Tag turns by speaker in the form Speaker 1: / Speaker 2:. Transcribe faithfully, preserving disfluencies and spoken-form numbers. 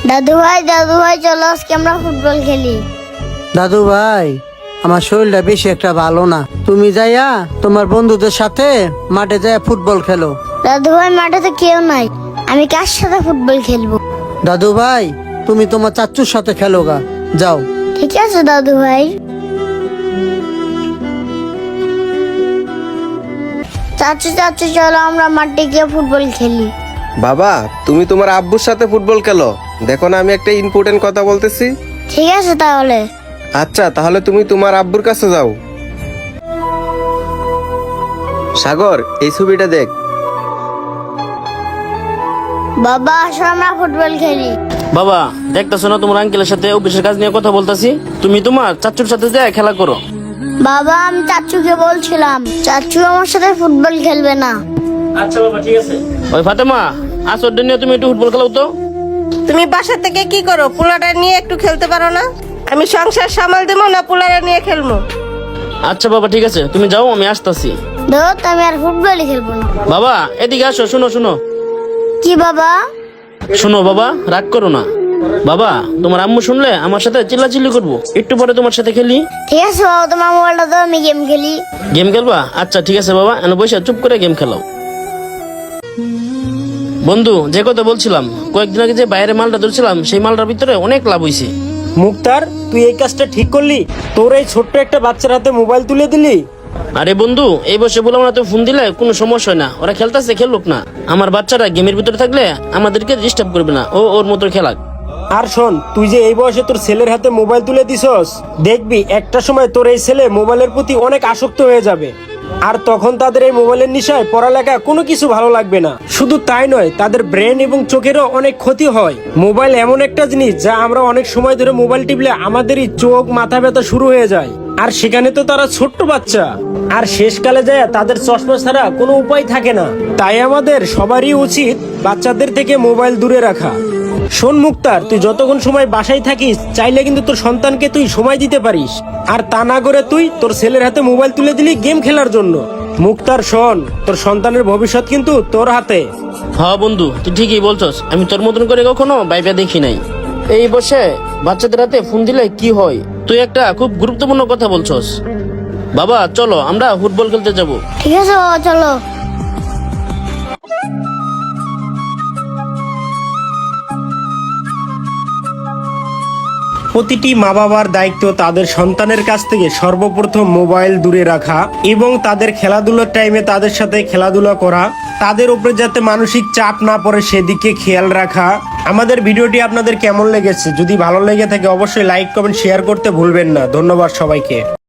Speaker 1: দাদু ভাই দাদু ভাই চলো আজকে আমরা ফুটবল খেলি।
Speaker 2: দাদু ভাই, আমার শরীরটা বেশি একটা ভালো না, তুমি যাইয়া তোমার বন্ধুদের সাথে মাঠে যাইয়া ফুটবল খেলো।
Speaker 1: দাদু ভাই মাঠে তো কেউ নাই, আমি কার সাথে ফুটবল খেলবো?
Speaker 2: দাদু ভাই, তুমি তোমার চাচুর সাথে খেলো গা, যাও।
Speaker 1: ঠিক আছে দাদু ভাই। চাচু চাচু চলো আমরা মাঠে গিয়ে ফুটবল খেলি।
Speaker 3: বাবা, তুমি তোমার আব্বুর সাথে ফুটবল খেলো। দেখো না, আমি একটা ইম্পর্টেন্ট কথা বলতেছি।
Speaker 1: ঠিক আছে তাহলে।
Speaker 3: আচ্ছা, তাহলে তুমি তোমার আব্বুর কাছে যাও। সাগর, এই ছবিটা দেখ।
Speaker 1: বাবা আসো আমরা ফুটবল খেলি।
Speaker 4: বাবা, দেখতেছো না তোমার আঙ্কেলের সাথে অফিসের কাজ নিয়ে কথা বলতাছি? তুমি তোমার চাচুর সাথে যায় খেলা করো।
Speaker 1: বাবা আমি চাচুকে বলছিলাম, চাচু আমার সাথে ফুটবল খেলবে না।
Speaker 4: আচ্ছা বাবা, ঠিক আছে। ওই ফাতেমা, আসর দিন তুমি একটু ফুটবল খেলাও তো।
Speaker 5: তুমি বাসা থেকে কি করো? পোলাটা নিয়ে একটু খেলতে পারো না? আমি সংসার সামাল দেবো না পোলাটা নিয়ে খেলবো?
Speaker 4: আচ্ছা বাবা, ঠিক আছে, তুমি যাও, আমি আসতাছি।
Speaker 1: ধর আমি আর ফুটবলই খেলবো না।
Speaker 4: বাবা এদিকে আসো, শুনো শুনো
Speaker 1: কি বাবা?
Speaker 4: শুনো বাবা, রাগ করো না। বাবা, তোমার আম্মু শুনলে আমার সাথে চিল্লাচিল্লি করবো। একটু পরে তোমার সাথে খেলি।
Speaker 1: ঠিক আছে বাবা, তোমার মোবাইলটা দাও, আমি গেম খেলি।
Speaker 4: গেম খেলবা? আচ্ছা ঠিক আছে বাবা, এনে বসে চুপ করে গেম খেলাও। বন্ধু, যে কথা বলছিলাম, কয়েকদিন আগে যে বাইরে মালটা ধরছিলাম, সেই মালটার ভিতরে অনেক লাভ হইছে।
Speaker 6: মুক্তার, তুই এই কাজটা ঠিক করলি? তোর এই ছোট্ট একটা বাচ্চার হাতে মোবাইল তুলে দিলি?
Speaker 4: আরে বন্ধু, এই বসে বললাম না, তো ফোন দিলে কোনো সমস্যা হয় না, ওরা খেলতেছে খেলুক না। আমার বাচ্চারা গেমের ভিতরে থাকলে আমাদেরকে ডিস্টার্ব করবে না, ও ওর মতো খেলাক।
Speaker 6: আর শোন, তুই যে এই বয়সে তোর ছেলের হাতে মোবাইল তুলে দিছস, দেখবি একটা সময় তোর এই ছেলে মোবাইলের প্রতি অনেক আসক্ত হয়ে যাবে। আর তখন তাদের এই মোবাইলের নেশায় পড়ালেখা কোনো কিছু ভালো লাগবে না। শুধু তাই নয়, তাদের ব্রেন এবং চোখেরও অনেক ক্ষতি হয়। মোবাইল এমন একটা জিনিস যা আমরা অনেক সময় ধরে মোবাইল টিপলে আমাদেরই চোখ মাথা ব্যথা শুরু হয়ে যায়। আর সেখানে তো তারা ছোট্ট বাচ্চা, আর শেষকালে যায় তাদের চশমা ছাড়া কোনো উপায় থাকে না। তাই আমাদের সবারই উচিত বাচ্চাদের থেকে মোবাইল দূরে রাখা। শোন মুক্তার, তুই যতক্ষণ সময় বাসায় থাকিস, চাইলে কিন্তু তোর সন্তানকে তুই সময় দিতে পারিস। আর তা না করে তুই তোর ছেলের হাতে মোবাইল তুলে দিলি গেম খেলার জন্য। মুক্তার শোন, তোর সন্তানের ভবিষ্যৎ কিন্তু তোর হাতে।
Speaker 4: হ্যাঁ বন্ধু, তুই ঠিকই বলছস, আমি তোর মতন করে কখনো ভাইবা দেখি নাই। এই বসে বাচ্চাদের হাতে ফোন দিলে কি হয়? তুই একটা খুব গুরুত্বপূর্ণ কথা বলছস। বাবা চলো আমরা ফুটবল খেলতে যাব।
Speaker 1: ঠিক আছে বাবা চলো।
Speaker 6: প্রতিটি মা বাবার দায়িত্ব তাদের সন্তানের কাছ থেকে সর্বপ্রথম মোবাইল দূরে রাখা এবং তাদের খেলাধুলার টাইমে তাদের সাথে খেলাধুলা করা, তাদের উপরে যাতে মানসিক চাপ না পড়ে সেদিকে খেয়াল রাখা। আমাদের ভিডিওটি আপনাদের কেমন লেগেছে? যদি ভালো লেগে থাকে অবশ্যই লাইক কমেন্ট শেয়ার করতে ভুলবেন না। ধন্যবাদ সবাইকে।